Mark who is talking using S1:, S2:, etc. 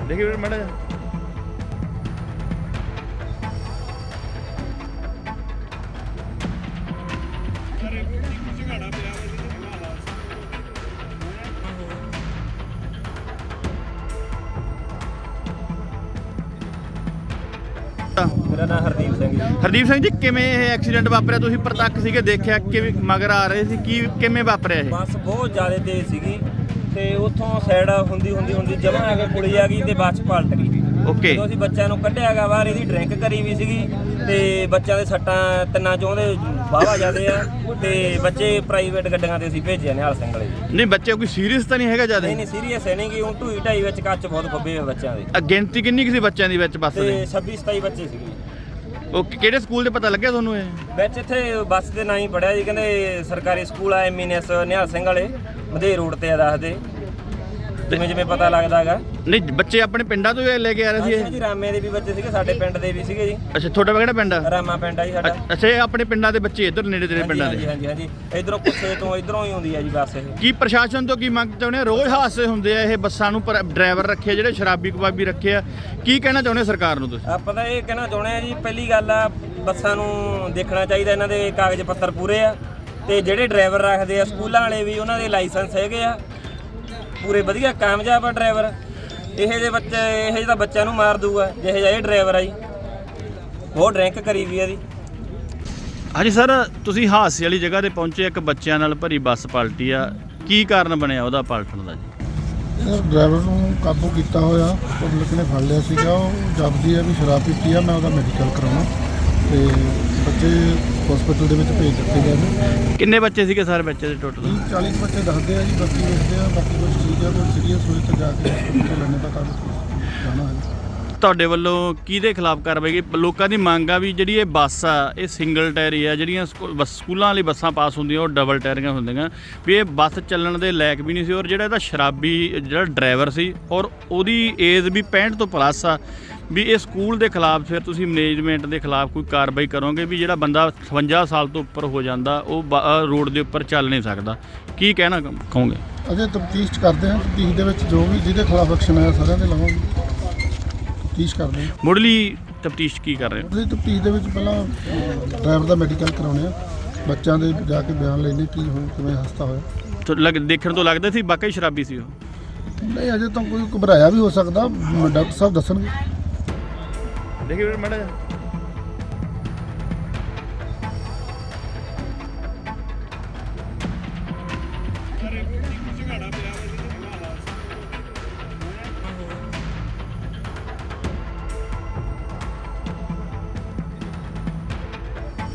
S1: देखिए फिर मैडम
S2: मेरा नाम हरदीप सिंह जी।
S1: हरदीप सिंह जी किवें ਇਹ ਐਕਸੀਡੈਂਟ ਵਾਪਰਿਆ? ਤੁਸੀਂ ਪ੍ਰਤੱਖ ਸੀਗੇ, ਦੇਖਿਆ ਕਿਵੇਂ ਮਗਰ ਆ ਰਹੇ ਸੀ, ਕੀ ਕਿਵੇਂ ਵਾਪਰਿਆ ਇਹ?
S2: ਬੱਸ ਬਹੁਤ ਜ਼ਿਆਦਾ ਤੇਜ਼ ਸੀਗੀ ਤੇ ਉੱਥੋਂ ਸਾਈਡ ਹੁੰਦੀ ਜਮਾਂ ਆ ਕੇ ਪੁਲੀ ਆ ਗਈ ਤੇ ਬੱਸ ਪਲਟ ਗਈ।
S1: ਓਕੇ,
S2: ਜਦੋਂ ਅਸੀਂ ਬੱਚਿਆਂ ਨੂੰ ਕੱਢਿਆ ਗਾ ਬਾਹਰ, ਇਹਦੀ ਡਰਿੰਕ ਕਰੀ ਵੀ ਸੀਗੀ ਤੇ ਬੱਚਿਆਂ ਦੇ ਸੱਟਾਂ ਤਿੰਨਾਂ ਚੋਂ ਦੇ ਵਾਹਵਾ ਜਾਂਦੇ ਆ ਤੇ ਬੱਚੇ ਪ੍ਰਾਈਵੇਟ ਗੱਡੀਆਂ ਤੇ ਅਸੀਂ ਭੇਜਿਆ ਨਿਹਾਲ ਸਿੰਘ ਵਾਲੇ ਜੀ।
S1: ਨਹੀਂ ਬੱਚੇ ਕੋਈ ਸੀਰੀਅਸ ਤਾਂ ਨਹੀਂ ਹੈਗਾ ਜਿਆਦਾ?
S2: ਨਹੀਂ ਸੀਰੀਅਸ ਹੈ ਨਹੀਂ ਕਿ ਉਹ ਢੂਈ ਢਾਈ ਵਿੱਚ ਕੱਚ ਬਹੁਤ ਖੱਬੇ ਹੋਏ ਬੱਚਿਆਂ ਦੇ।
S1: ਗਿਣਤੀ ਕਿੰਨੀ ਕੁ ਸੀ ਬੱਚਿਆਂ ਦੀ ਵਿੱਚ ਬੱਸ
S2: ਤੇ
S1: ਦੇ?
S2: 26-27 ਬੱਚੇ ਸੀਗੇ।
S1: ਓਕੇ, ਕਿਹੜੇ ਸਕੂਲ ਦੇ ਪਤਾ ਲੱਗਿਆ ਤੁਹਾਨੂੰ ਇਹ?
S2: ਵਿੱਚ ਇੱਥੇ ਬੱਸ ਦੇ ਨਾਂ ਹੀ ਪੜਿਆ ਜੀ, ਕਹਿੰਦੇ ਸਰਕਾਰੀ ਸਕੂਲ ਆ MNS ਨਿਹਾਲ ਸਿੰਘ ਵਾਲੇ ਮਧੇ ਰੋਡ ਤੇ ਆ ਦੱਸਦੇ, ਜਿਵੇਂ ਪਤਾ ਲੱਗਦਾ ਹੈਗਾ।
S1: ਨਹੀਂ ਬੱਚੇ ਆਪਣੇ ਪਿੰਡਾਂ ਤੋਂ ਲੈ ਕੇ ਆ ਰਹੇ ਸੀ ਇਹ?
S2: ਜੀ ਰਾਮੇ ਦੇ ਵੀ ਬੱਚੇ ਸੀਗੇ, ਸਾਡੇ ਪਿੰਡ ਦੇ ਵੀ ਸੀਗੇ ਜੀ।
S1: ਅੱਛਾ, ਤੁਹਾਡਾ ਕਿਹੜਾ ਪਿੰਡ ਆ?
S2: ਰਾਮਾ ਪਿੰਡ ਆ ਜੀ ਸਾਡਾ।
S1: ਅੱਛਾ, ਇਹ ਆਪਣੇ ਪਿੰਡਾਂ ਦੇ ਬੱਚੇ ਇੱਧਰ ਨੇੜੇ ਤੇੜੇ ਪਿੰਡਾਂ ਦੇ?
S2: ਹਾਂਜੀ ਇਧਰੋਂ ਕੁੱਸੇ ਤੋਂ ਇਧਰੋਂ ਹੀ ਆਉਂਦੀ ਆ ਜੀ ਬੱਸ ਇਹ।
S1: ਕੀ ਪ੍ਰਸ਼ਾਸਨ ਤੋਂ ਕੀ ਮੰਗ ਚਾਹੁੰਦੇ ਆ? ਰੋਜ਼ ਹਾਦਸੇ ਹੁੰਦੇ ਆ ਇਹ ਬੱਸਾਂ ਨੂੰ, ਪਰ ਡਰਾਈਵਰ ਰੱਖੇ ਜਿਹੜੇ ਸ਼ਰਾਬੀ ਕਬਾਬੀ ਰੱਖੇ ਆ, ਕੀ ਕਹਿਣਾ ਚਾਹੁੰਦੇ ਸਰਕਾਰ ਨੂੰ ਤੁਸੀਂ?
S2: ਆਪਾਂ ਤਾਂ ਇਹ ਕਹਿਣਾ ਚਾਹੁੰਦੇ ਆ ਜੀ, ਪਹਿਲੀ ਗੱਲ ਆ ਬੱਸਾਂ ਨੂੰ ਦੇਖਣਾ ਚਾਹੀਦਾ ਇਹਨਾਂ ਦੇ ਕਾਗਜ਼ ਪੱਤਰ ਪੂਰੇ ਆ ਤੇ ਜਿਹੜੇ ਡਰਾਈਵਰ ਰੱਖਦੇ ਆ ਸਕੂਲਾਂ ਵਾਲੇ ਵੀ ਉਹਨਾਂ ਦੇ ਲਾਇਸੈਂਸ ਹੈਗੇ ਆ ਪੂਰੇ ਵਧੀਆ ਕਾਮਯਾਬ ਆ ਡਰਾਈਵਰ। ਇਹ ਜਿਹੇ ਬੱਚਿਆਂ ਨੂੰ ਮਾਰ ਦੂਗਾ ਜਿਹੇ ਜਿਹਾ ਇਹ ਡਰਾਈਵਰ ਆ ਜੀ, ਬਹੁਤ ਡਰਿੰਕ ਕਰੀ ਵੀ ਇਹਦੀ।
S1: ਹਾਂਜੀ ਸਰ, ਤੁਸੀਂ ਹਾਦਸੇ ਵਾਲੀ ਜਗ੍ਹਾ ਤੇ ਪਹੁੰਚੇ, ਇੱਕ ਬੱਚਿਆਂ ਨਾਲ ਭਰੀ ਬੱਸ ਪਲਟੀ ਆ, ਕੀ ਕਾਰਨ ਬਣਿਆ ਉਹਦਾ ਪਲਟਣ ਦਾ ਜੀ?
S3: ਡਰਾਈਵਰ ਨੂੰ ਕਾਬੂ ਕੀਤਾ ਹੋਇਆ, ਪਬਲਿਕ ਨੇ ਫੜ ਲਿਆ ਸੀਗਾ। ਉਹ ਜਪਦੀ ਹੈ ਵੀ ਸ਼ਰਾਬ ਪੀਤੀ ਆ, ਮੈਂ ਉਹਦਾ ਮੈਡੀਕਲ ਕਰਾਉਣਾ ਤੇ ਬੱਚੇ ਹਸਪੀਟਲ ਦੇ ਵਿੱਚ ਭੇਜ ਦਿੱਤੇ ਗਏ ਨੇ।
S1: ਕਿੰਨੇ ਬੱਚੇ ਸੀਗੇ ਸਰ ਬੱਚੇ ਦੇ ਟੋਟਲ?
S3: 40 ਬੱਚੇ ਦੱਸਦੇ ਆ ਜੀ, ਬਾਕੀ ਵੇਖਦੇ ਆ, ਬਾਕੀ ਕੁਝ ਠੀਕ ਆ, ਕੋਈ ਸੀਰੀਅਸ ਹੋਏ ਤਾਂ ਜਾ ਕੇ ਹਸਪੀਟਲ ਲੈਣੇ ਦਾ ਕੰਮ ਜਾਣਾ ਹੈ।
S1: ਤੁਹਾਡੇ ਵੱਲੋਂ ਕਿਹਦੇ ਖਿਲਾਫ ਕਾਰਵਾਈ ਕੀ? ਲੋਕਾਂ ਦੀ ਮੰਗ ਆ ਵੀ ਜਿਹੜੀ ਇਹ ਬੱਸ ਆ ਇਹ ਸਿੰਗਲ ਟਾਇਰੀ ਆ, ਜਿਹੜੀਆਂ ਸਕੂਲਾਂ ਵਾਲੀ ਬੱਸਾਂ ਪਾਸ ਹੁੰਦੀਆਂ ਉਹ ਡਬਲ ਟਾਇਰੀਆਂ ਹੁੰਦੀਆਂ, ਵੀ ਇਹ ਬੱਸ ਚੱਲਣ ਦੇ ਲਾਇਕ ਵੀ ਨਹੀਂ ਸੀ। ਔਰ ਜਿਹੜਾ ਇਹਦਾ ਸ਼ਰਾਬੀ ਜਿਹੜਾ ਡਰਾਈਵਰ ਸੀ ਔਰ ਉਹਦੀ ਏਜ ਵੀ 65 ਤੋਂ ਪਲੱਸ ਆ, ਵੀ ਇਹ ਸਕੂਲ ਦੇ ਖਿਲਾਫ ਫਿਰ ਤੁਸੀਂ ਮੈਨੇਜਮੈਂਟ ਦੇ ਖਿਲਾਫ ਕੋਈ ਕਾਰਵਾਈ ਕਰੋਗੇ? ਵੀ ਜਿਹੜਾ ਬੰਦਾ 56 ਸਾਲ ਤੋਂ ਉੱਪਰ ਹੋ ਜਾਂਦਾ ਉਹ ਰੋਡ ਦੇ ਉੱਪਰ ਚੱਲ ਨਹੀਂ ਸਕਦਾ, ਕੀ ਕਹਿਣਾ ਕਹੋਗੇ?
S3: ਅਜੇ ਤਫਤੀਸ਼ ਕਰਦੇ ਹਾਂ, ਤਫਤੀਸ਼ ਦੇ ਵਿੱਚ ਜੋ ਵੀ ਜਿਹਦੇ ਖਿਲਾਫ ਐਕਸ਼ਨ ਆਇਆ ਸਾਰਿਆਂ ਦੇ ਲਵਾਂਗੇ, ਤਫਤੀਸ਼ ਕਰਦੇ ਹਾਂ।
S1: ਮੁੱਢਲੀ ਤਫਤੀਸ਼ ਕੀ ਕਰ ਰਹੇ ਹੋ?
S3: ਉਹਦੀ ਤਫਤੀਸ਼ ਦੇ ਵਿੱਚ ਪਹਿਲਾਂ ਡਰਾਈਵਰ ਦਾ ਮੈਡੀਕਲ ਕਰਾਉਣੇ ਆ, ਬੱਚਿਆਂ ਦੇ ਜਾ ਕੇ ਬਿਆਨ ਲੈਣੇ ਕੀ ਹੋਇਆ, ਕਿਵੇਂ ਹਾਦਸਾ ਹੋਇਆ।
S1: ਦੇਖਣ ਤੋਂ ਲੱਗਦਾ ਸੀ ਵਾਕਈ ਸ਼ਰਾਬੀ ਸੀ ਉਹ?
S3: ਨਹੀਂ ਅਜੇ ਤਾਂ ਕੋਈ ਘਬਰਾਇਆ ਵੀ ਹੋ ਸਕਦਾ, ਡਾਕਟਰ ਸਾਹਿਬ ਦੱਸਣਗੇ।
S1: देखिए मैडम